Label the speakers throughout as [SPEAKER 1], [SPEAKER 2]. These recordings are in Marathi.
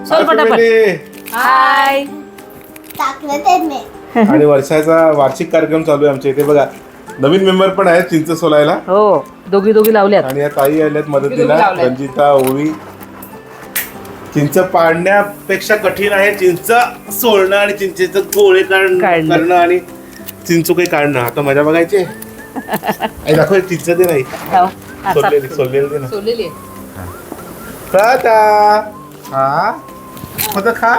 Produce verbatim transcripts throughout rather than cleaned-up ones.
[SPEAKER 1] चल पटापट हाय
[SPEAKER 2] टाकलं ते मी.
[SPEAKER 3] आणि वर्षाचा वार्षिक कार्यक्रम चालू आहे आमच्या इथे बघा. नवीन मेंबर पण आहेत चिंच सोलायला.
[SPEAKER 1] हो दोघी दोघी लावल्यात.
[SPEAKER 3] आणि या ताई आल्यात मदतीला.
[SPEAKER 4] लावल्यात.
[SPEAKER 3] रंजिता ओवी. चिंच पाडण्यापेक्षा कठीण आहे चिंच सोलणं आणि चिंचेचं गोळे काढ-
[SPEAKER 1] काढणं.
[SPEAKER 3] करणं आणि चिंचुके काढणं. आता मजा बघायची आई दाखव चिंच दे नाही
[SPEAKER 1] हो. हा, साफ
[SPEAKER 3] सोललेली
[SPEAKER 1] करू.
[SPEAKER 3] सोललेली दे ना.
[SPEAKER 4] सोडलेली
[SPEAKER 3] खाता हा मग खा.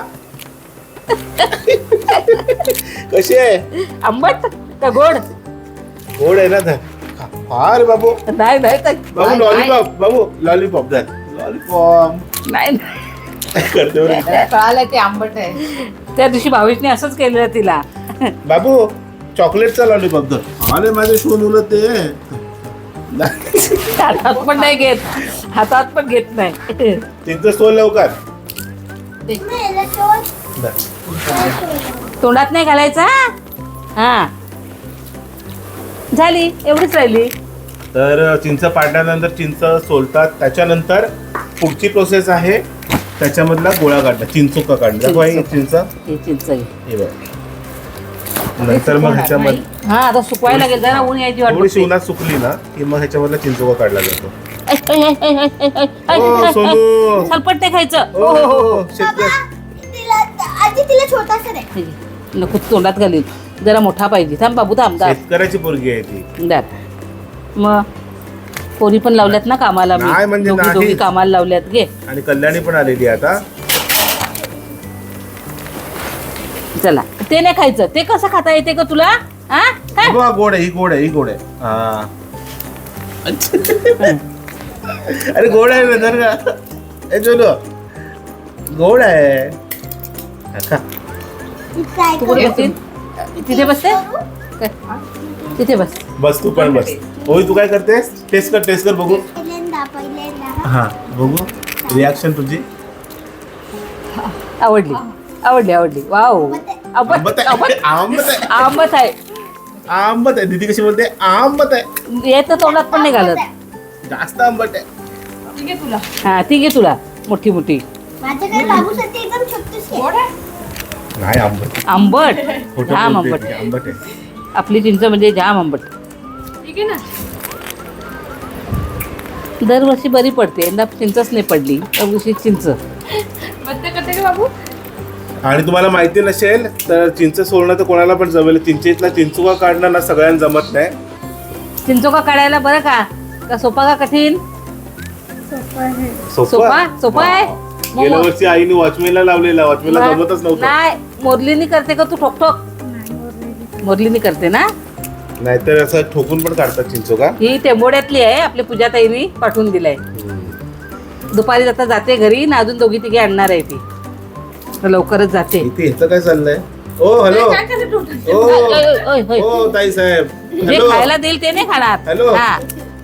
[SPEAKER 3] कशी आहे
[SPEAKER 1] आंबट का गोड
[SPEAKER 3] गोड आहे ना धर. खा. खा रे बाबू.
[SPEAKER 1] नाही नाही ताई.
[SPEAKER 3] बाबू
[SPEAKER 4] नाही,
[SPEAKER 3] लॉलीपॉप बाबू लॉलीपॉप धर. लॉलीपॉप
[SPEAKER 1] नाही नाही.
[SPEAKER 3] करते बरं.
[SPEAKER 4] कळालं ते आंबट आहे.
[SPEAKER 1] त्या दिवशी भावेशने असंच केलेलं तिला.
[SPEAKER 3] बाबू चॉकलेटचा लॉलीपॉप धर. अरे माझे शोन मुलं ते
[SPEAKER 1] हातात पण नाही घेत हातात पण घेत नाही.
[SPEAKER 3] चिंच सोल लवकर
[SPEAKER 2] मी याला शोध-
[SPEAKER 3] धर.
[SPEAKER 2] शोध.
[SPEAKER 1] तोंडात नाही घालायचा. हा झाली एवढीच राहिली.
[SPEAKER 3] तर चिंच पाडल्यानंतर चिंच सोलतात. त्याच्यानंतर पुढची प्रोसेस आहे त्याच्यामधला गोळा काढणं चिंचोका काढणं. दाखव आई चिंच
[SPEAKER 1] हे चिंच आहे.
[SPEAKER 3] हे बघ. नंतर मग ह्याच्यामध्ये
[SPEAKER 1] हा आता सुकवायला लागेल जरा ऊन यायची वाट
[SPEAKER 3] थोडीशी
[SPEAKER 1] बघते.
[SPEAKER 3] उन्हात सुकली ना की मग ह्याच्यामधला चिंचोका काढला जातो.
[SPEAKER 1] ऐ, ऐ, ऐ, ऐ, ऐ, ऐ, ऐ,
[SPEAKER 3] ओ,
[SPEAKER 1] ऐ,
[SPEAKER 3] सोनू.
[SPEAKER 1] सलपट नाही खायचं.
[SPEAKER 3] ओ, हो, हो, शेतकरी.
[SPEAKER 2] बाबा, तिला आधी तिला छोटासा दे.
[SPEAKER 1] हे, नको तोंडात घालील. जरा मोठा पाहिजे. थांब बाबू थांब दाब
[SPEAKER 3] शेतकऱ्याची पोरगी आहे ती.
[SPEAKER 1] दाब. मग पोरी पण लावल्यात ना कामाला. मी
[SPEAKER 3] नाही म्हणजे
[SPEAKER 1] दोघी
[SPEAKER 3] नाही.
[SPEAKER 1] दोघी कामाला लावल्यात. घे
[SPEAKER 3] आणि कल्याणी पण आलेली आहे आता.
[SPEAKER 1] चला ते नाही खायचं. ते कसं खाता येते का तुला. हा काय?
[SPEAKER 3] बघा गोड आहे ही गोड आहे ही गोड आहे हा. अरे गोड आहे ना जर का. ए चलो गोड आहे हा, खा.
[SPEAKER 2] काय
[SPEAKER 1] तू कुठे
[SPEAKER 2] करू?
[SPEAKER 1] बसतील तिथे बसते काय? तिथे बस.
[SPEAKER 3] बस तू पण बस. होय तू काय करतेस टेस्ट कर टेस्ट कर बघू.
[SPEAKER 2] पहिल्यांदा पहिल्यांदा
[SPEAKER 3] हा बघू रिॲक्शन तुझी.
[SPEAKER 1] आवडली आवडली आवडली. वाव आंबट
[SPEAKER 3] आंबट
[SPEAKER 1] आंबट
[SPEAKER 3] आहे आंबट आहे
[SPEAKER 1] आंबट आहे.
[SPEAKER 3] आंबट आहे. दीदी कशी बोलते आंबट आहे.
[SPEAKER 1] येत तोंडात पण नाही घालत.
[SPEAKER 3] जास्त आंबट आहे.
[SPEAKER 4] ठीक आहे तुला
[SPEAKER 1] हा ती घे तुला मोठी मोठी.
[SPEAKER 2] माझ्याकडे बाबूसाठी एकदम छोटीशी आहे.
[SPEAKER 4] गोड आहे
[SPEAKER 3] नाही आंबट
[SPEAKER 1] आंबट
[SPEAKER 3] खोटं
[SPEAKER 1] जाम
[SPEAKER 3] बोलते
[SPEAKER 1] आंबट.
[SPEAKER 3] ती, आंबट आहे.
[SPEAKER 1] आपली चिंच म्हणजे जाम आंबट.
[SPEAKER 4] ठीक आहे ना.
[SPEAKER 1] दरवर्षी बरी पडते. यंदा चिंचच नाही पडली. त्या वर्षी चिंच.
[SPEAKER 4] मग ते करते का बाबू.
[SPEAKER 3] आणि तुम्हाला माहिती नसेल तर चिंच सोलणं तर कोणाला पण जमेल. चिंचेतला चिंचुका काढणं ना सगळ्यांना जमत नाही.
[SPEAKER 1] चिंचोका काढायला बरं का का सोपा का कठीण. सोपा सोपा आहे.
[SPEAKER 3] हा. गेल्या वर्षी आईने वॉचमॅनला लावलेला वॉचमॅनला जमतच नव्हतं.
[SPEAKER 1] नाही मोरलीनी करते का तू ठोक ठोक. मोरलीनी करते ना.
[SPEAKER 3] नाहीतर असं ठोकून पण काढतात चिंचोका.
[SPEAKER 1] ही टेंबोड्यातली आहे. आपल्या पूजाताईनी पाठवून दिलाय. दुपारी जाता जाते घरी ना अजून दोघी तिघे आणणार आहे ती. तर लवकरच जाते.
[SPEAKER 3] इथे ह्याचं काय चाललंय. ओ हॅलो
[SPEAKER 4] काय करते तू.
[SPEAKER 3] ओ
[SPEAKER 1] ओय, ओय, ओय, ओय.
[SPEAKER 3] ओ ताई साहेब
[SPEAKER 1] जे
[SPEAKER 3] हॅलो
[SPEAKER 1] खायला देईल ते नाही खाणार.
[SPEAKER 3] हॅलो.
[SPEAKER 1] हा.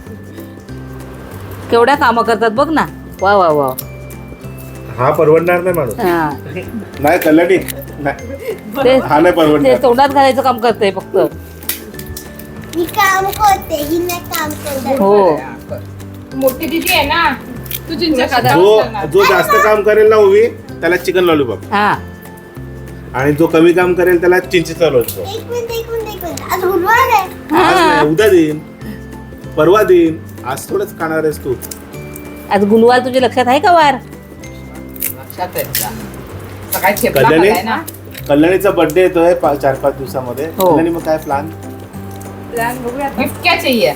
[SPEAKER 1] केवढ्या कामं करतात बघ ना. वा वा वा.
[SPEAKER 3] हा परवडणार नाही माणूस.
[SPEAKER 1] हा.
[SPEAKER 3] नाही कल्याणी नाही.
[SPEAKER 1] ते
[SPEAKER 3] हा नाही
[SPEAKER 1] ते
[SPEAKER 3] परवडणार.
[SPEAKER 1] तोंडात घालायचं काम करते फक्त.
[SPEAKER 2] मी काम करते ही नाही काम करते.
[SPEAKER 1] हो
[SPEAKER 4] मोठी दिदी आहे ना तू चिंच खादा
[SPEAKER 3] जो जो जास्त काम करेल ना उभी त्याला चिकन लॉलीपॉप.
[SPEAKER 1] हा
[SPEAKER 3] आणि जो कमी काम करेल त्याला चिंचेचा लॉलीपॉप.
[SPEAKER 2] एक मिनिट एक मिनिट एक मिनिट आज गुरुवार आहे.
[SPEAKER 3] आज
[SPEAKER 1] हा.
[SPEAKER 3] नाही उद्या देईन परवा देईन. आज थोडंच खाणार आहेस तू.
[SPEAKER 1] आज गुलवार तुझ्या लक्षात आहे का वार.
[SPEAKER 4] लक्षात आहे तुला. सकाळी ठेपला
[SPEAKER 3] कल्याणी
[SPEAKER 4] खाल्लाय ना.
[SPEAKER 3] कल्याणीचा बर्थडे येतोय पा- चार पाच दिवसामध्ये.
[SPEAKER 1] हो.
[SPEAKER 3] कल्याणी मग काय प्लॅन.
[SPEAKER 4] गिफ्ट क्या चाहिए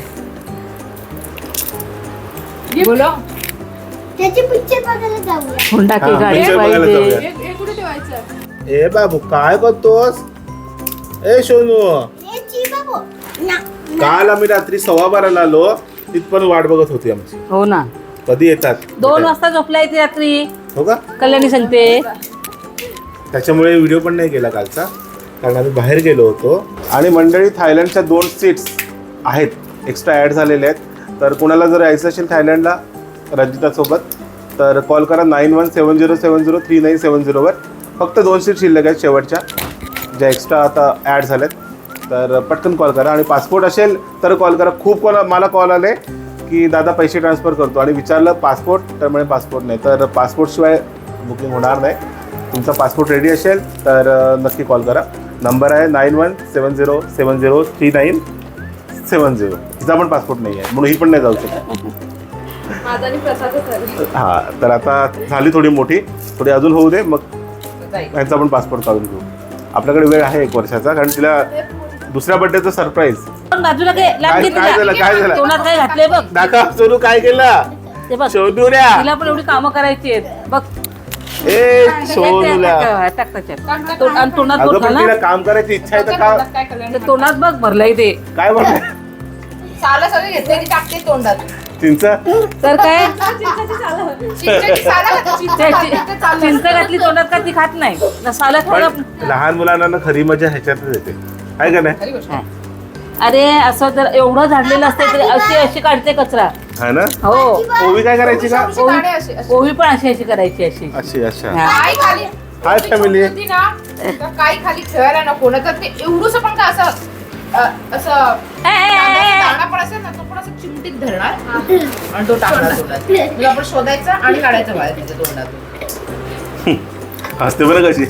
[SPEAKER 4] बोलो.
[SPEAKER 2] त्याचे पिक्चर बघायला जाऊया.
[SPEAKER 1] हुंडा
[SPEAKER 3] हा,
[SPEAKER 1] की गाडी
[SPEAKER 3] picture बघायला
[SPEAKER 1] पाहिजे.
[SPEAKER 3] जाऊया.
[SPEAKER 4] हे कुठे ठेवायचं.
[SPEAKER 3] ए बाबू काय करतोस. ए सोनू
[SPEAKER 2] हे ची बाबू ना
[SPEAKER 3] काल आम्ही रात्री सव्वा बाराला आलो तिथपण वाट बघत होती आमची.
[SPEAKER 1] हो ना.
[SPEAKER 3] कधी येतात
[SPEAKER 1] दोन वाजता झोपलाय ती रात्री.
[SPEAKER 3] हो का.
[SPEAKER 1] कल्याणी सांगते.
[SPEAKER 3] त्याच्यामुळे व्हिडिओ पण नाही केला कालचा कारण आम्ही बाहेर गेलो होतो. आणि मंडळी थायलंडच्या दोन सीट्स आहेत एक्स्ट्रा ॲड झालेल्या आहेत. तर कोणाला जर यायचं असेल थायलंडला रंजितासोबत तर कॉल करा nine one seven zero seven zero three nine seven झिरोवर. फक्त दोन सीट शिल्लक आहेत शेवटच्या ज्या एक्स्ट्रा आता ॲड झाल्यात. तर पटकन कॉल करा. आणि पासपोर्ट असेल तर कॉल करा. खूप कोणा मला कॉल आले की दादा पैसे ट्रान्सफर करतो आणि विचारलं पासपोर्ट तर म्हणे पासपोर्ट नाही. तर पासपोर्टशिवाय बुकिंग होणार नाही. तुमचा पासपोर्ट रेडी असेल तर अ, नक्की कॉल करा. नंबर आहे nine one seven zero seven zero three nine seven zero. तिचा पण पासपोर्ट नाही आहे म्हणून ही पण नाही जाऊ शकत.
[SPEAKER 5] माझा आणि प्रसादच झाले.
[SPEAKER 3] हां, तर आता झाली थोडी मोठी, थोडी अजून होऊ दे, मग
[SPEAKER 4] जाईल.
[SPEAKER 3] यांचा पण पासपोर्ट काढून घेऊ. आपल्याकडे वेळ आहे एक वर्षाचा, कारण तिला दुसऱ्या बर्थडेचं सरप्राईज.
[SPEAKER 1] पण बाजूला काय लांब
[SPEAKER 3] काय
[SPEAKER 1] घेतली
[SPEAKER 3] काय झालं
[SPEAKER 1] का?
[SPEAKER 3] काय झालं
[SPEAKER 1] तोंडात काय घातलंय बघ.
[SPEAKER 3] दाखव सोनू काय केलं.
[SPEAKER 1] ते बघ
[SPEAKER 3] सोनूल्या
[SPEAKER 1] तिला पण एवढी कामं करायची आहेत बघ.
[SPEAKER 3] ए सोनूल्या
[SPEAKER 1] टाक त्याच्यात. तो- आणि तोंडात
[SPEAKER 3] अगं
[SPEAKER 1] बोट
[SPEAKER 3] पण
[SPEAKER 1] घाल
[SPEAKER 3] तिला
[SPEAKER 1] ना.
[SPEAKER 3] काम करायची इच्छा आहे तर
[SPEAKER 4] तोंडात
[SPEAKER 3] का
[SPEAKER 4] काय कल्याण
[SPEAKER 1] ते तोंडात बघ भरलंय ते.
[SPEAKER 3] काय म्हणते
[SPEAKER 4] सालं सगळं घेतलं की टाकते तोंडात.
[SPEAKER 3] चिंच
[SPEAKER 1] तर काय
[SPEAKER 4] चिंचेची सालं घातली, चिंच
[SPEAKER 1] त्याची-
[SPEAKER 4] घातली तर चाललं.
[SPEAKER 1] चिंच घातली तोंडात का ती खात नाही ना साला
[SPEAKER 3] पण
[SPEAKER 1] खायला.
[SPEAKER 3] लहान मुलांना ना खरी मजा ह्याच्यातच येते, आहे का नाही?
[SPEAKER 4] खरी गोष्ट.
[SPEAKER 1] हा. अरे असं जर एवढं झाडलेलं असतं तरी अशी अशी काढते कचरा.
[SPEAKER 3] हा ना.
[SPEAKER 1] हो
[SPEAKER 3] ओवी काय करायची का?
[SPEAKER 4] अशी दाणे अशी- अशी.
[SPEAKER 1] ओवी पण अशी अशी करायची अशी.
[SPEAKER 3] अशी अच्छा.
[SPEAKER 1] हा.
[SPEAKER 4] काय खाली
[SPEAKER 3] हाय family.
[SPEAKER 4] होती ना, तर काही खाली खेळायला नको ना, तर ते एवढंसं पण का असं अ, असं
[SPEAKER 1] ए, ए, ए, ए.
[SPEAKER 4] दाणा पण असेल ना, तो पण असं चिमटीत धरणार आणि तो टाकणार तोंडात. मग आपण शोधायचा आणि काढायचं बाहेर त्याच्या तोंडातून.
[SPEAKER 3] हसते बरं कशी.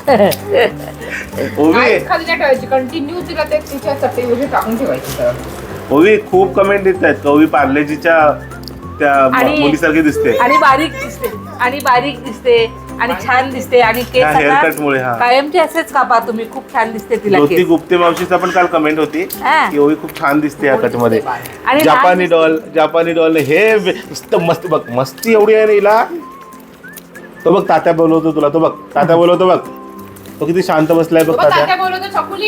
[SPEAKER 3] ओवी
[SPEAKER 4] काहीच खाली नाही ठेवायची, कंटिन्यू तिला ते तिच्या चटईमध्ये टाकून ठेवायची तर.
[SPEAKER 3] ओवी खूप कमेंट येत आहेत. ओवी पार्लेजीच्या त्या म-
[SPEAKER 1] आणि-
[SPEAKER 3] मुलीसारखी दिसते.
[SPEAKER 1] आणि बारीक दिसते आणि बारीक दिसते आणि छान दिसते आणि केस
[SPEAKER 3] हा,
[SPEAKER 1] आता
[SPEAKER 3] haircut मुळे, हा.
[SPEAKER 1] कायमचे असेच कापा तुम्ही. खूप छान दिसते तिला
[SPEAKER 3] ज्योती
[SPEAKER 1] केस.
[SPEAKER 3] गुप्ते मावशीचा पण काल कमेंट होती
[SPEAKER 1] हा.
[SPEAKER 3] की ओवी खूप छान दिसते या कट मध्ये.
[SPEAKER 1] आणि
[SPEAKER 3] जापानी
[SPEAKER 1] लहान
[SPEAKER 3] डॉल जापानी डॉल हे वे- नुसतं मस्त बघ, मस्ती एवढी आहे ना हिला. तो बघ तात्या बोलवतो तुला, तो बघ तात्या बोलवतो बघ. तो किती शांत बसलाय बघ
[SPEAKER 4] बाबा,
[SPEAKER 3] तात्या.
[SPEAKER 4] तात्या बोलवतो चकुली.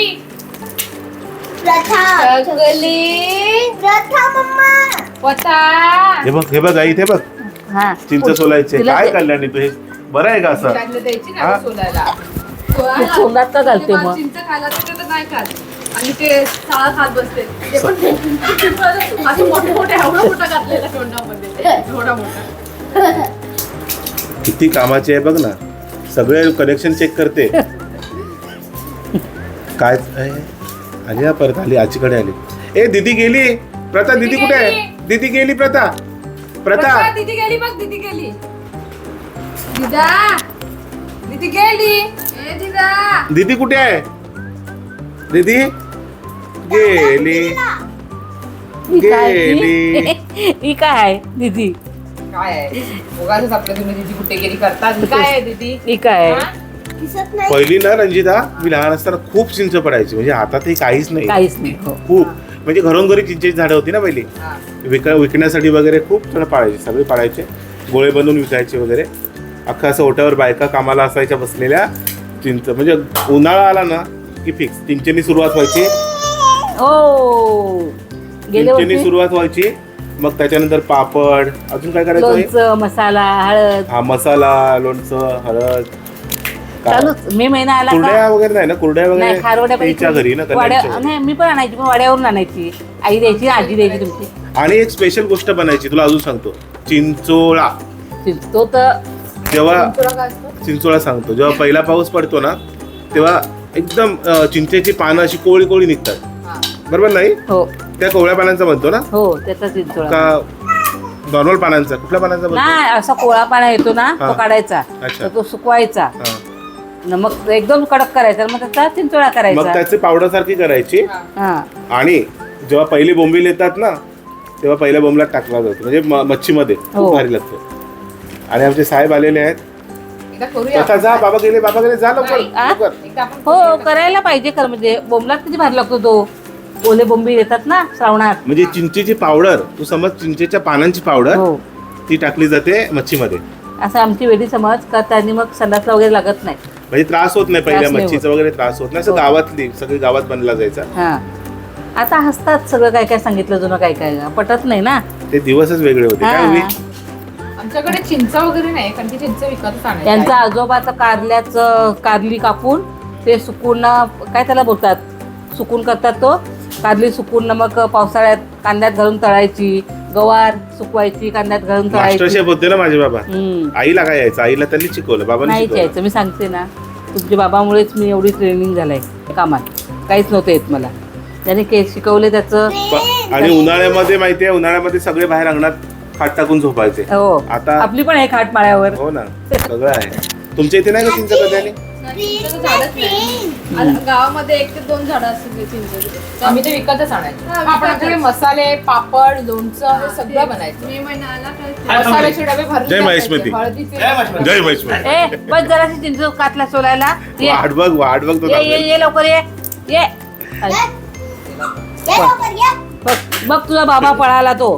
[SPEAKER 2] प्रथा
[SPEAKER 4] चकुली
[SPEAKER 2] प्रथा मम्मा
[SPEAKER 4] पता.
[SPEAKER 3] हे बघ हे बघ आई इथे बघ
[SPEAKER 1] हा.
[SPEAKER 3] चिंच सोलायचे.
[SPEAKER 1] तिला
[SPEAKER 3] काय
[SPEAKER 1] ते-
[SPEAKER 3] कल्याणी तू हे बरं आहे का असं?
[SPEAKER 4] त्यातलं द्यायची
[SPEAKER 3] हा?
[SPEAKER 4] ना सोलायला.
[SPEAKER 1] ते तोंडात का घालते
[SPEAKER 5] मला
[SPEAKER 1] मग?
[SPEAKER 5] चिंच खायला तर नाही खात आणि ते साळा खात बसते. ते पण असं मोठे मोठे एवढा मोठा घातलेला तोंडामध्ये एवढा मोठा.
[SPEAKER 3] किती कामाची आहे बघ ना. सगळे कनेक्शन चेक करते. काय आहे? आली ना परत आली, आजीकडे आली. ए दीदी गेली. प्रथा दीदी कुठे आहे? दीदी गेली प्रथा. प्रथा
[SPEAKER 5] प्रथा, दीदी गेली बघ, दीदी गेली. दिदा दीदी गेली. ए दिदा
[SPEAKER 3] दीदी कुठे आहे? दीदी गेली
[SPEAKER 1] ही काय
[SPEAKER 3] गेली.
[SPEAKER 1] ती? ही काय आहे दीदी?
[SPEAKER 4] काय आहे उगाचच आपल्या तुम्ही दीदी कुठे गेली करतात. काय आहे दीदी?
[SPEAKER 1] ही काय
[SPEAKER 4] हा?
[SPEAKER 1] आहे?
[SPEAKER 2] दिसत नाही.
[SPEAKER 3] पहिली ना रंजिता, मी लहान असताना खूप चिंच पडायची. म्हणजे हातात काहीच नाही.
[SPEAKER 1] काहीच नाही. हो.
[SPEAKER 3] खूप म्हणजे घरोघरी चिंचेची झाडं होती ना पहिली.
[SPEAKER 4] हा.
[SPEAKER 3] विक विकण्यासाठी वगैरे खूप जण पाळायचे. सगळे पाळायचे, गोळे बनवून विकायचे वगैरे. अख्खा असं ओट्यावर बायका कामाला असायच्या बसलेल्या. चिंच म्हणजे उन्हाळा आला ना की फिक्स चिंचेनी सुरुवात व्हायची.
[SPEAKER 1] हो गेले
[SPEAKER 3] चिंचेनी
[SPEAKER 1] होते.
[SPEAKER 3] सुरुवात व्हायची. मग त्याच्यानंतर पापड, अजून काय करायचं हे?
[SPEAKER 1] लोणचं, मसाला, हळद
[SPEAKER 3] हा मसाला, लोणचं, हळद, का-
[SPEAKER 1] चालूच. मे महिना आला
[SPEAKER 3] कुरड्या
[SPEAKER 1] का?
[SPEAKER 3] वगैरे नाही ना, कुरड्या
[SPEAKER 1] नाही
[SPEAKER 3] वगैरे
[SPEAKER 1] खारवड्या
[SPEAKER 3] तिच्या घरी ना
[SPEAKER 1] वाड्या
[SPEAKER 3] कल्याणच्या घरी.
[SPEAKER 1] नाही मी पण आणायची पण वाड्यावरून आणायची. आई द्यायची आजी द्यायची तुमची.
[SPEAKER 3] आणि एक स्पेशल गोष्ट बनायची, तुला अजून सांगतो. चिंचोळा.
[SPEAKER 1] तो तर
[SPEAKER 3] जेव्हा
[SPEAKER 4] तुला काय असतं?
[SPEAKER 3] चिंचोळा सांगतो, जेव्हा पहिला पाऊस पडतो ना तेव्हा एकदम अं, चिंचेची पानं अशी कोळी कोळी निघतात,
[SPEAKER 4] हा.
[SPEAKER 3] बरोबर नाही?
[SPEAKER 1] हो
[SPEAKER 3] त्या कोवळ्या पानांचा बनतो ना
[SPEAKER 1] हो त्याचा चिंचोळा.
[SPEAKER 3] का नॉर्मल पानांचा? कुठल्या पानांचा बनतो?
[SPEAKER 1] नाही असा कोळा पाना येतो ना
[SPEAKER 3] हा.
[SPEAKER 1] तो काढायचा.
[SPEAKER 3] अच्छा.
[SPEAKER 1] तर तो सुकवायचा.
[SPEAKER 3] हा.
[SPEAKER 1] न मग एकदम कडक करायचा मग त्याचा चिंचोळा
[SPEAKER 3] मग
[SPEAKER 1] करायचा.
[SPEAKER 3] त्याची पावडर सारखी करायची.
[SPEAKER 1] हा
[SPEAKER 3] आणि जेव्हा पहिली बोंबील येतात ना तेव्हा पहिल्या बोंबलात टाकला जातो, म्हणजे म- मच्छीमध्ये
[SPEAKER 1] हो.
[SPEAKER 3] खूप भारी लागतो. आणि आमचे साहेब आलेले आहेत.
[SPEAKER 4] एकदा करूया
[SPEAKER 3] आता जा, बाबा गेले बाबा गेले जा लवकर
[SPEAKER 4] नाही.
[SPEAKER 1] आ?
[SPEAKER 3] लवकर.
[SPEAKER 4] एकदा आपण
[SPEAKER 1] हो
[SPEAKER 4] करूया.
[SPEAKER 1] करायला पाहिजे खरं. म्हणजे बोंबलात किती भारी लागतो तो. ओले बोंबी येतात ना श्रावणात.
[SPEAKER 3] म्हणजे चिंचेची पावडर, तू समज चिंचेच्या पानांची पावडर
[SPEAKER 1] हो
[SPEAKER 3] ती टाकली जाते मच्छीमध्ये.
[SPEAKER 1] असं आमची वेडी समज का त्यांनी मग संडासला वगैरे लागत नाही.
[SPEAKER 3] म्हणजे त्रास होत नाही, पहिल्या
[SPEAKER 1] त्रास नाही
[SPEAKER 3] मच्छीचा वगैरे त्रास होत नाही. असं
[SPEAKER 1] हो.
[SPEAKER 3] गावातली सगळी गावात बनला जायचा.
[SPEAKER 1] हा आता हसतात सगळं काय काय सांगितलं जुनं काय काय पटत नाही ना.
[SPEAKER 3] ते दिवसच वेगळे होते. काय
[SPEAKER 1] हा.
[SPEAKER 3] होई?
[SPEAKER 4] आमच्याकडे चिंच वगैरे नाही, कारण की चिंच विकतच आणायची.
[SPEAKER 1] त्यांचा आजोबाचं कारल्याचं कारली कापून ते सुकून काय त्याला बोलतात सुकून करतात. तो कारली सुकून मग पावसाळ्यात कांद्यात घालून तळायची. गवार सुकवायची कांद्यात घालून
[SPEAKER 3] मास्टर
[SPEAKER 1] तळायची.
[SPEAKER 3] शेफ होते ना माझे बाबा.
[SPEAKER 1] हम्म.
[SPEAKER 3] आईला काय यायचं? आईला त्यांनी शिकवलं, बाबांनी
[SPEAKER 1] नाही
[SPEAKER 3] शिकवलं.
[SPEAKER 1] यायचं मी सांगते ना. तुमच्या बाबामुळेच मी एवढी ट्रेनिंग झालंय कामात. काहीच नव्हतं येत मला. त्याने के शिकवले त्याचं.
[SPEAKER 3] प- आणि उन्हाळ्यामध्ये माहितीये, उन्हाळ्यामध्ये सगळे बाहेर अंगणात खाट टाकून झोपायचे.
[SPEAKER 1] हो
[SPEAKER 3] आता
[SPEAKER 1] आपली पण आहे खाट माळ्यावर.
[SPEAKER 3] हो ना सगळं आहे. तुमच्या इथे नाही का चिंच कधी
[SPEAKER 5] चिंचेचं झाडच नाही. आणि गावामध्ये एक ते दोन झाडं असतील चिंचेचे.
[SPEAKER 4] आम्ही ते विकतच आणायचो.
[SPEAKER 5] हा,
[SPEAKER 4] आपण आपल्याकडे मसाले पापड लोणचं हे सगळं बनायचं.
[SPEAKER 5] मे महिना आला का
[SPEAKER 4] मसाल्याचे डबे भरून
[SPEAKER 3] जय महेश
[SPEAKER 4] टाकायचे.
[SPEAKER 3] मती.
[SPEAKER 4] हळदीचे
[SPEAKER 3] जय महेश
[SPEAKER 1] ए बस जराशी चिंच कातला सोलायला ये
[SPEAKER 3] वाट बघ वाट बघ तो
[SPEAKER 1] ये ये ये लवकर ये ये अरे,
[SPEAKER 2] ये लवकर ये.
[SPEAKER 1] बघ बघ तुझा बाबा पळाला तो.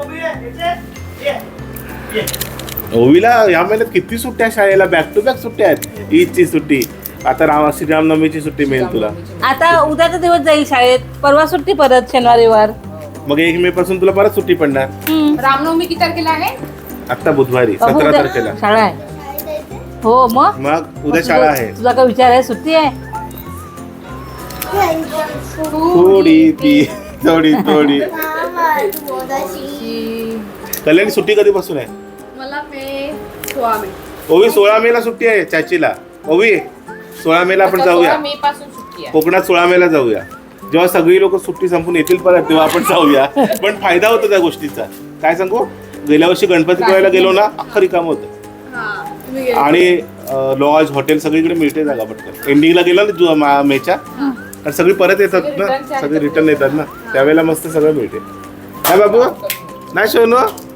[SPEAKER 3] ओवीला या महिन्यात किती सुट्ट्या शाळेला बॅक टू बॅक सुट्ट्या आहेत. ईदची सुट्टी, आता राम श्रीरामनवमीची सुट्टी मिळेल तुला.
[SPEAKER 1] आता उद्याचा दिवस जाईल शाळेत, परवा सुट्टी परत शनिवारीवर.
[SPEAKER 3] मग एक मे पासून तुला परत सुट्टी पडणार.
[SPEAKER 1] हम्म.
[SPEAKER 4] रामनवमी किती तारखेला आहे?
[SPEAKER 3] आता बुधवारी
[SPEAKER 1] अहो,
[SPEAKER 3] सतरा
[SPEAKER 1] उद्या
[SPEAKER 3] तारखेला.
[SPEAKER 1] शाळा आहे.
[SPEAKER 2] शाळेत जायचं?
[SPEAKER 1] हो मग
[SPEAKER 3] मग उद्या शाळा आहे.
[SPEAKER 1] तुझा काय विचार आहे? सुट्टी आहे.
[SPEAKER 3] थोडी ती थोडी थोडी
[SPEAKER 2] मामा, तू बोलाशी.
[SPEAKER 3] कल्याणी सुट्टी कधीपासून आहे?
[SPEAKER 5] मला मे सोळा मे
[SPEAKER 3] ओवी सोळा मे ला सुट्टी आहे चाचीला. ओवी सोळा मे ला आपण
[SPEAKER 4] आता
[SPEAKER 3] जाऊया
[SPEAKER 4] सोळा मे पासून सुट्टी आहे.
[SPEAKER 3] कोकणात. सोळा मे ला जाऊया. जेव्हा सगळी लोक सुट्टी संपून येतील परत तेव्हा आपण जाऊया. पण फायदा होतो त्या गोष्टीचा. काय सांगू, गेल्या वर्षी गणपती पुळ्याला गेलो ना, अख्खं रिकाम होतं.
[SPEAKER 5] हा तुम्ही गेले.
[SPEAKER 3] आणि लॉज हॉटेल सगळीकडे मिळते जागा पटकन. एंडिंगला गेलो ना जु- मा- मेच्या, आणि सगळी परत येतात
[SPEAKER 4] सगळे
[SPEAKER 3] ना,
[SPEAKER 4] return चे
[SPEAKER 3] सगळे
[SPEAKER 4] आहेत.
[SPEAKER 3] रिटर्न येतात ना, त्यावेळेला मस्त सगळं मिळते. काय बाबू नाही शोनू.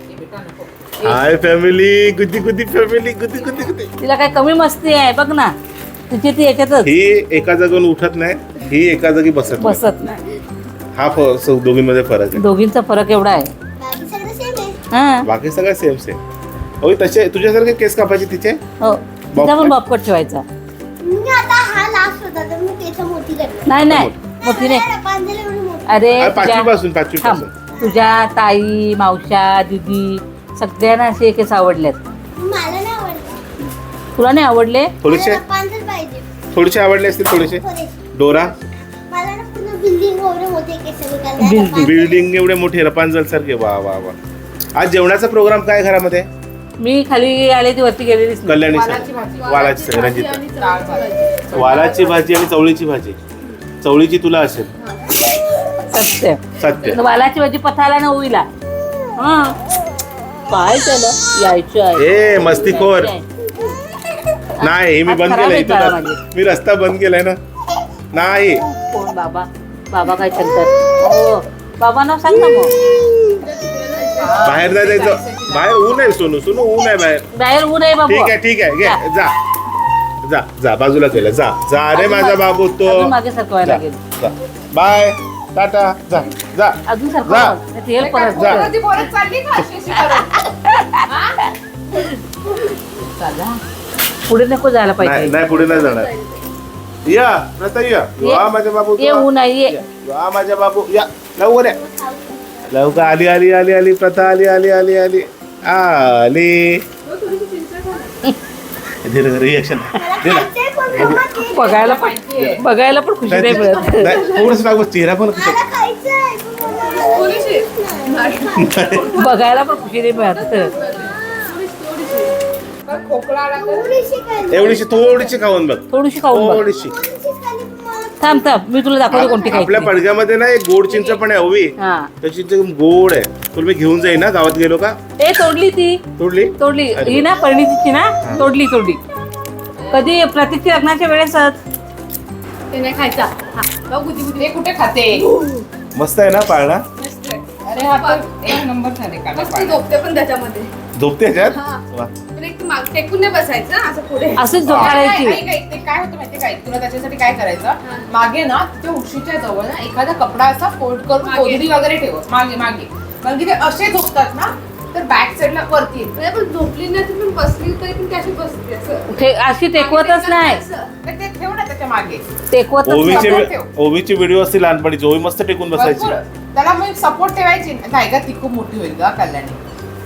[SPEAKER 3] हाय फॅमिली, गुदी गुदी फॅमिली, गुदी गुदी गुदी.
[SPEAKER 1] तिला काय कमी मस्ती आहे बघ ना, तिची ती याच्यातच
[SPEAKER 3] ही एका जागेवर उठत नाही, ही एका जागी बसत नाही.
[SPEAKER 1] बसत नाही.
[SPEAKER 3] हा फ- स- दोघींमध्ये फरक आहे.
[SPEAKER 1] दोघींचा फरक एवढा आहे.
[SPEAKER 2] बाकी सगळं सेम आहे.
[SPEAKER 1] हा
[SPEAKER 3] बाकी सगळं सेम सेम. ओय तसे तुझ्यासारखे केस कापायचे तिचे.
[SPEAKER 1] हो तिचा पण बॉपकट ठेवायचा.
[SPEAKER 2] मी आता हा लास्ट होता तर मी त्याचं मोठी करणार.
[SPEAKER 1] नाही नाही मोठी नाही.
[SPEAKER 2] पांजरे एवढी मोठी.
[SPEAKER 1] अरे
[SPEAKER 3] अरे,
[SPEAKER 1] तुझ्या
[SPEAKER 3] पाचवी पासून पाचवी
[SPEAKER 1] थांब.
[SPEAKER 3] पासून
[SPEAKER 1] तुझ्या ताई मावशा दीदी सगळ्यांना असे केस आवडलेत.
[SPEAKER 2] मला नाही आवडत.
[SPEAKER 1] तुला नाही आवडले?
[SPEAKER 3] थोडेसे
[SPEAKER 2] मला पांजर पाहिजे.
[SPEAKER 3] थोडेसे आवडले असतील थोडेसे.
[SPEAKER 2] थोडेसे.
[SPEAKER 3] डोरा
[SPEAKER 2] मला ना पूर्ण बिल्डिंग एवढे मोठे केस
[SPEAKER 1] Building.
[SPEAKER 3] बिल्डिंग एवढे मोठे रपांजल सारखे. वा वा वा. आज जेवणाचा प्रोग्राम काय घरामध्ये?
[SPEAKER 1] मी खाली आले ती वरती गेलेलीच नाही.
[SPEAKER 3] कल्याणी
[SPEAKER 4] वालाची
[SPEAKER 3] सर
[SPEAKER 4] भाजी.
[SPEAKER 3] वालाची सर
[SPEAKER 5] भाजी
[SPEAKER 3] रंजिता.
[SPEAKER 5] आणि चवळीची भाजी.
[SPEAKER 3] वालाची भाजी आणि चवळीची भाजी. चवळीची तुला असेल.
[SPEAKER 1] सत्य
[SPEAKER 3] सत्य.
[SPEAKER 1] वालाची भाजी पथाला ना होईला. हा काय त्याला यायचं आहे.
[SPEAKER 3] ए मस्तीखोर. नाही हे मी
[SPEAKER 1] आज
[SPEAKER 3] बंद
[SPEAKER 1] खराब
[SPEAKER 3] केलंय.
[SPEAKER 1] आहे
[SPEAKER 3] इथून
[SPEAKER 1] काळा
[SPEAKER 3] रस-
[SPEAKER 1] माझी.
[SPEAKER 3] मी रस्ता बंद केलाय ना. नाही
[SPEAKER 1] कोण बाबा? बाबा काय सांगतात? हो बाबा नाव सांग ना मग.
[SPEAKER 3] बाहेर नाही जायचं. बाहेर ऊन आहे सोनू. सोनू ऊन आहे बाहेर.
[SPEAKER 1] बाहेर ऊन आहे बाबू.
[SPEAKER 3] ठीक आहे ठीक आहे घे
[SPEAKER 1] जा.
[SPEAKER 3] जा जा जा बाजूला केलं. जा जा रे
[SPEAKER 1] अजून
[SPEAKER 3] माझा
[SPEAKER 1] मागे-
[SPEAKER 3] बाबू तो.
[SPEAKER 1] अजून मागे सरकवायला लागेल.
[SPEAKER 3] जा. Bye tata. जा जा
[SPEAKER 1] अजून
[SPEAKER 3] जा.
[SPEAKER 1] सरकवा तेल परत
[SPEAKER 3] जा.
[SPEAKER 4] बोलत ती बोलत चालली का अशी अशी करून? हा? चला.
[SPEAKER 1] पुढे नको जायला
[SPEAKER 3] नाही
[SPEAKER 1] पाहिजे.
[SPEAKER 3] नाही पुढे नाही जाणार. या प्रथा या. वा माझा बाबू
[SPEAKER 1] ये ऊन आहे ये.
[SPEAKER 3] वा माझा बाबू या लवकर या. लवकर आली आली आली आली प्रथा आली आली आली आली आली. रिएक्शन दे ना.
[SPEAKER 2] खायचंय पण मम्मा ते.
[SPEAKER 1] बघायला पण बघायला पण खुशी नाही मिळत.
[SPEAKER 3] थोडस लागू चेहरा पण
[SPEAKER 2] मला खायचंय पण मला
[SPEAKER 5] थोडीशी.
[SPEAKER 1] बघायला पण खुशी नाही मिळत.
[SPEAKER 4] तर खोकला आला तर
[SPEAKER 2] थोडीशी खाल्ली.
[SPEAKER 3] एवढीशी थोडीशी खाऊन बघ.
[SPEAKER 1] थोडीशी खाऊन बघ.
[SPEAKER 3] थोडीशी.
[SPEAKER 2] थोडीशीच खाल्ली पण मला
[SPEAKER 1] थांब थांब मी तुला दाखवते कोणती
[SPEAKER 3] आपल्या
[SPEAKER 1] खायची.
[SPEAKER 3] पडग्यामध्ये ना एक गोड चिंच पण आहे ओवी.
[SPEAKER 1] हा
[SPEAKER 3] त्याची चिंच गोड आहे. तुला मी घेऊन जाईन ना गावात गेलो का.
[SPEAKER 1] ए तोडली ती
[SPEAKER 3] तोडली
[SPEAKER 1] तोडली
[SPEAKER 3] अरे
[SPEAKER 1] ही ना परिणीतीची ना तोडली तोडली. कधी प्रतीकच्या लग्नाच्या वेळेसच.
[SPEAKER 5] ते नाही खायचा. हा बघ गुदी गुदी.
[SPEAKER 4] ते कुठे खाते?
[SPEAKER 3] मस्त आहे ना पाळणा.
[SPEAKER 4] अरे हा तर एक नंबर झाले का
[SPEAKER 5] मस्त झोपते पण त्याच्यामध्ये.
[SPEAKER 3] झोपते ह्याच्यात.
[SPEAKER 5] हा.
[SPEAKER 3] वा.
[SPEAKER 5] पण एक माग टेकून नाही बसायचं असं पुढे.
[SPEAKER 1] असंच झोपाळायची.
[SPEAKER 4] ते काय होतं माहितीये काय तुला त्याच्यासाठी काय करायचं मागे ना त्या उशीच्या जवळ ना एखादा कपडा असा फोल्ड करून
[SPEAKER 5] मागे.
[SPEAKER 4] कोदडी वगैरे ठेव मागे मागे कारण की ते असे झोपतात ना तर बॅक साईडला वरती येतं.
[SPEAKER 5] नाही, पण झोपली नाही ती पण बसली तरी पण कशी बसते असं.
[SPEAKER 1] ते अशी टेकवतच नाही.
[SPEAKER 4] तर ते ठेव ना त्याच्या मागे
[SPEAKER 1] टेकवतच
[SPEAKER 3] ओवीचे
[SPEAKER 1] नाही.
[SPEAKER 4] ठेव.
[SPEAKER 3] ओवीची व्हिडिओ असते लहानपणीची. ओवी मस्त टेकून बसायची.
[SPEAKER 4] भरपूर. त्याला मग सपोर्ट ठेवायची नाही का ती खूप मोठी होईल का कल्याणी.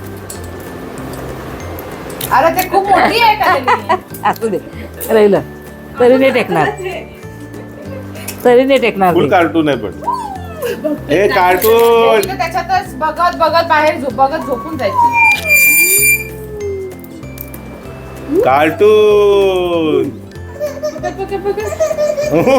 [SPEAKER 4] अरे ते खूप मोठी आहे कल्याणी.
[SPEAKER 1] असू दे राहिलं तरी नाही टेकणार. तरी नाही टेकणार
[SPEAKER 3] फुल
[SPEAKER 1] ती.
[SPEAKER 3] कार्टून आहे पण. हे कार्टून.
[SPEAKER 4] ती तर त्याच्यातच बघत बघत बाहेर झोप बघत झोपून जायची.
[SPEAKER 3] कार्टून.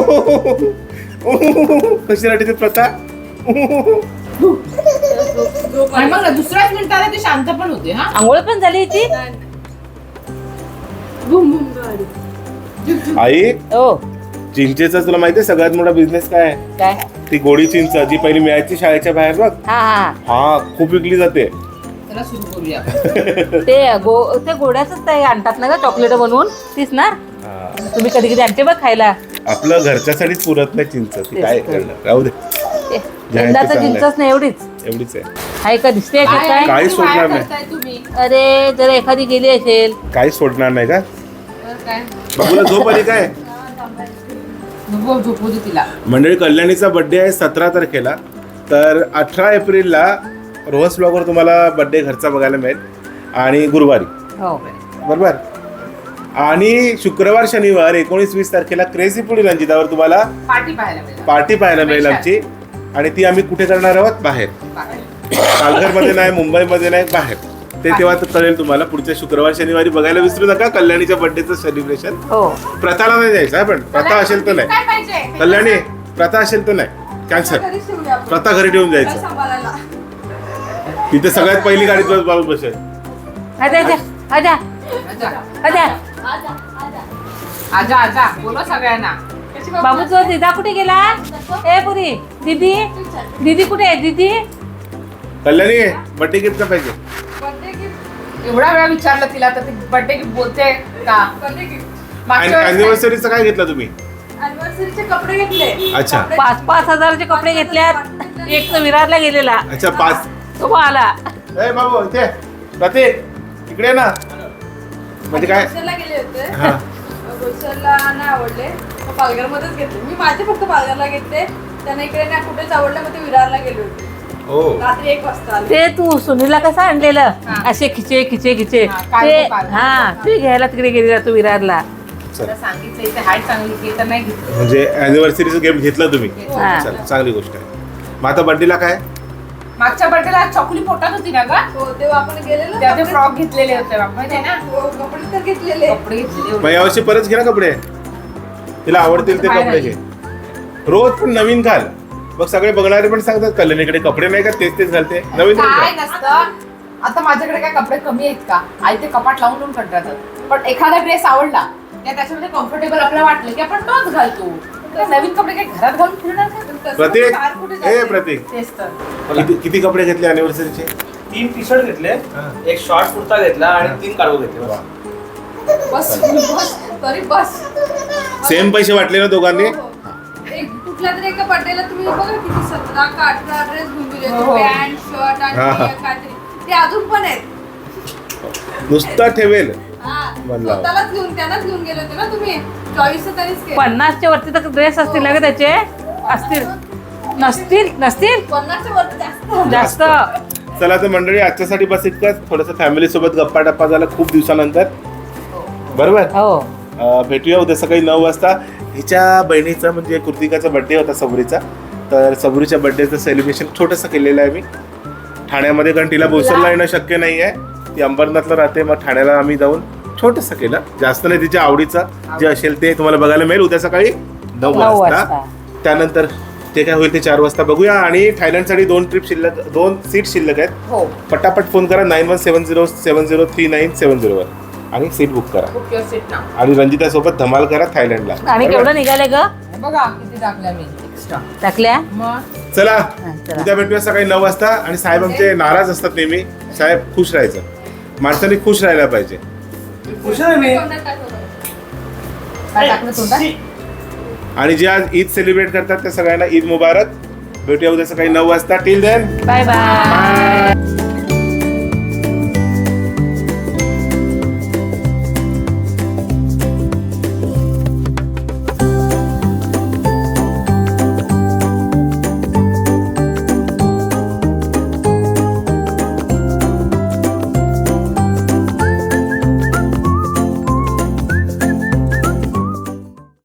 [SPEAKER 3] कशी राहते ती प्रथा.
[SPEAKER 5] झोप
[SPEAKER 4] आणि
[SPEAKER 5] आली.
[SPEAKER 4] मग ना दुसऱ्याच मिनिटाला ते शांत पण होते हा.
[SPEAKER 1] आंघोळ पण झाली ती
[SPEAKER 5] नाही, नाही. बुम बुम गाडी.
[SPEAKER 3] आई
[SPEAKER 1] हो
[SPEAKER 3] चिंचेचा तुला माहितीये सगळ्यात मोठा बिझनेस काय आहे?
[SPEAKER 1] काय
[SPEAKER 3] ती गोडी चिंच जी पहिली मिळायची शाळेच्या बाहेर बघ.
[SPEAKER 1] हा हा
[SPEAKER 3] हा खूप विकली जाते.
[SPEAKER 4] त्याला सुरू करूया.
[SPEAKER 1] ते गो ते गोड्याच ते आणतात ना ग चॉकलेट बनवून तीच ना
[SPEAKER 3] हा.
[SPEAKER 1] तुम्ही कधी कधी आणते बघ खायला
[SPEAKER 3] आपलं घरच्यासाठीच पुरत नाही चिंच ती
[SPEAKER 1] तेच
[SPEAKER 3] काय
[SPEAKER 1] तर.
[SPEAKER 3] करणार राहू दे
[SPEAKER 1] ते
[SPEAKER 3] ते
[SPEAKER 1] यंदाचं
[SPEAKER 3] चांगलं आहे.
[SPEAKER 1] चिंचच नाही एवढीच
[SPEAKER 3] एवढीच आहे
[SPEAKER 1] आहे का दिसते का
[SPEAKER 4] काय
[SPEAKER 1] काय
[SPEAKER 3] काही
[SPEAKER 4] किती वाया
[SPEAKER 3] सोडणार नाही.
[SPEAKER 4] करताय तुम्ही
[SPEAKER 1] अरे जर एखादी गेली असेल
[SPEAKER 3] काही सोडणार नाही का
[SPEAKER 4] तर काय
[SPEAKER 3] बाबूला झोप आली काय
[SPEAKER 4] नको झोपू दे तिला.
[SPEAKER 3] मंडळी कल्याणीचा बर्थडे आहे सतरा तारखेला तर अठरा एप्रिलला रोहस ब्लॉगवर तुम्हाला बर्थडे घरचा बघायला मिळेल आणि गुरुवारी
[SPEAKER 1] हो
[SPEAKER 3] बरोबर आणि शुक्रवार शनिवार एकोणीस वीस तारखेला क्रेझी फूड रंजितावर तुम्हाला
[SPEAKER 4] पार्टी पाहायला मिळेल.
[SPEAKER 3] पार्टी पाहायला मिळेल आमची आणि ती आम्ही कुठे करणार आहोत बाहेर पालघरमध्ये नाही मुंबईमध्ये नाही बाहेर ते तेव्हा तर कळेल तुम्हाला पुढच्या शुक्रवार शनिवारी बघायला विसरू नका कल्याणीच्या बर्थडेचं सेलिब्रेशन
[SPEAKER 1] हो
[SPEAKER 3] प्रथाला नाही जायचं आहे पण प्रथा असेल तर नाही
[SPEAKER 4] काय पाहिजे
[SPEAKER 3] कल्याणी प्रथा असेल तर नाही कॅन्सल
[SPEAKER 5] घरीच ठेवूया आपण.
[SPEAKER 3] प्रथा घरी ठेवून
[SPEAKER 5] काय
[SPEAKER 3] जायचं
[SPEAKER 5] सांभाळायला.
[SPEAKER 3] तिथे सगळ्यात पहिली गाडीत बस बाबू बसेल
[SPEAKER 1] आजा आजा आजा
[SPEAKER 4] आजा
[SPEAKER 1] आजा
[SPEAKER 4] आजा आजा बोलो सगळ्यांना.
[SPEAKER 5] कशी बाबा?
[SPEAKER 1] बाबूचा दिदा कुठे गेला ए पुरी दीदी दीदी कुठे आहे दीदी
[SPEAKER 3] कल्याणी बर्थडे गिफ्ट पाहिजे
[SPEAKER 5] Birthday gift.
[SPEAKER 4] एवढा वेळा विचारलं तिला तर ती बर्थडे गिफ्ट बोलते का.
[SPEAKER 5] Birthday gift.
[SPEAKER 4] मागच्या वेळेस
[SPEAKER 3] अॅनिव्हर्सरीचं काय घेतलं तुम्ही
[SPEAKER 5] Anniversary चे कपडे घेतले.
[SPEAKER 3] अच्छा.
[SPEAKER 5] कपडे-
[SPEAKER 1] पाच पाच हजाराचे कपडे घेतल्यात एक तर विरारला गेलेला
[SPEAKER 3] अच्छा पाच
[SPEAKER 1] तो आला
[SPEAKER 3] ए बाबू इथे प्रतीक इकडे ये ना म्हणजे काय
[SPEAKER 5] बोईसरला गेले होते.
[SPEAKER 3] हा
[SPEAKER 5] बोईसरला नाही आवडले मग पालघरमध्येच घेतले मी माझे फक्त पालघरला घेतले त्यांना इकडे नाही कुठेच आवडले मग ते विरारला गेले होते
[SPEAKER 3] हो
[SPEAKER 5] रात्री एक वाजता आले.
[SPEAKER 1] ते तू सुनीलला कसं आणलेलं
[SPEAKER 4] हा.
[SPEAKER 1] असे खिचे खिचे खिचे
[SPEAKER 4] हा, कार्गो,
[SPEAKER 1] ते
[SPEAKER 4] कार्गो.
[SPEAKER 1] हा ते घ्यायला तिकडे गेलेला तू विरारला
[SPEAKER 4] तुला सांगितलं इथे हाय चांगली घे तर नाही घेतलं.
[SPEAKER 3] म्हणजे अॅनिव्हर्सरीचं गिफ्ट घेतलं तुम्ही
[SPEAKER 1] हा.
[SPEAKER 3] चला चांगली गोष्ट आहे मग आता बर्थडेला काय
[SPEAKER 4] मागच्या बर्थडेला चॉकली पोटात होती ना का.
[SPEAKER 5] हो तेव्हा आपण गेलेलो
[SPEAKER 4] तेव्हा ते
[SPEAKER 5] कपडे-
[SPEAKER 4] फ्रॉक घेतलेले होते माहिती आहे ना.
[SPEAKER 5] हो, कपडे तर घेतलेले
[SPEAKER 4] कपडे घेतलेले
[SPEAKER 3] मग
[SPEAKER 4] होते.
[SPEAKER 3] यावर्षी परत घे ना कपडे तिला आवडतील ते कपडे घे रोज पण नवीन घाल मग सगळे बघणारे पण सांगतात कल्याणीकडे कपडे नाही का तेच तेच घालते नवीन
[SPEAKER 4] काय
[SPEAKER 3] घाल.
[SPEAKER 4] नसतं आता माझ्याकडे काय कपडे कमी आहेत का आई ते कपाट लावून लावून कंटाळतात पण एखादा ड्रेस आवडला त्या त्याच्यामध्ये कम्फर्टेबल आपल्याला वाटलं की आपण तोच घालतो. तर नवीन कपडे काय घरात घालून फिरणार का?
[SPEAKER 5] तसं
[SPEAKER 3] प्रतीक
[SPEAKER 5] बाहेर कुठे
[SPEAKER 3] ए
[SPEAKER 5] जायचं?
[SPEAKER 3] प्रतीक
[SPEAKER 4] तेच तर.
[SPEAKER 3] किती किती कपडे घेतले अॅनिव्हर्सरीचे
[SPEAKER 6] तीन टी शर्ट घेतले एक शॉर्ट कुर्ता घेतला आणि तीन कार्गो घेतले बस.
[SPEAKER 5] बस बस तरी बस
[SPEAKER 3] सेम पैसे वाटले ना दोघांनी
[SPEAKER 5] हो, हो. एक कुठल्या तरी एका बर्थडेला तुम्ही बघा किती सतरा का अठरा ड्रेस घेऊन गेले
[SPEAKER 4] हो, हो.
[SPEAKER 5] पॅन्ट शर्ट आणि
[SPEAKER 3] हा, हा.
[SPEAKER 5] हे काहीतरी ते अजून पण आहेत
[SPEAKER 3] नुसता ठेवेल
[SPEAKER 5] हा.
[SPEAKER 3] म्हणला.
[SPEAKER 5] स्वतःलाच घेऊन त्यांनाच घेऊन गेले होते ना तुम्ही चॉईस तर त्यांनीच केलं
[SPEAKER 1] पन्नासच्या वरती तर ड्रेस असतील ना ग त्याचे असतील नसतील नसतील
[SPEAKER 5] पन्नासच्या वरती जास्त
[SPEAKER 1] जास्त
[SPEAKER 3] चला तर मंडळी आजच्यासाठी बस इतकंच थोडंसं फॅमिली सोबत गप्पा टप्पा झाला खूप दिवसानंतर बरोबर
[SPEAKER 1] हो
[SPEAKER 3] अं, भेटूया उद्या सकाळी नऊ वाजता हिच्या बहिणीचा म्हणजे कृतिकाचा बड्डे होता सबरीचा तर सबरीच्या बड्डेचं सेलिब्रेशन छोटंसं केलेलं आहे मी ठाण्यामध्ये कारण तिला बोईसरला येणं शक्य नाही आहे ती अंबरनाथला राहते मग ठाण्याला आम्ही जाऊन छोटंसं केलं जास्त नाही तिच्या आवडीचं जे असेल ते तुम्हाला बघायला मिळेल उद्या सकाळी नऊ
[SPEAKER 1] नऊ
[SPEAKER 3] वाजता
[SPEAKER 1] वाजता.
[SPEAKER 3] त्यानंतर ते काय होईल ते चार वाजता बघूया आणि थायलंडसाठी दोन ट्रिप शिल्लक दोन सीट शिल्लक आहेत
[SPEAKER 4] हो
[SPEAKER 3] पटापट फोन करा nine one seven zero seven zero three nine seven झिरोवर आणि सीट बुक करा
[SPEAKER 4] बुक युअर सीट नाव.
[SPEAKER 3] आणि रंजिता सोबत धमाल करा थायलंडला
[SPEAKER 1] आणि
[SPEAKER 3] बरोबर?
[SPEAKER 1] केवढं निघाले ग
[SPEAKER 4] बघा किती टाकल्या मी एक्स्ट्रा.
[SPEAKER 1] टाकल्या
[SPEAKER 4] मग
[SPEAKER 3] चला
[SPEAKER 1] हा, चला.
[SPEAKER 3] उद्या भेटूया सकाळी नऊ वाजता आणि साहेब आमचे नाराज असतात नेहमी साहेब खुश राहायचं माणसाने खुश राहायला पाहिजे
[SPEAKER 6] खुश आहे मी
[SPEAKER 4] काय टाकलं तोंडात?
[SPEAKER 3] आणि जे आज ईद सेलिब्रेट करतात त्या सगळ्यांना ईद मुबारक भेटूया उद्या सकाळी नऊ वाजता टिल देन
[SPEAKER 1] बाय बाय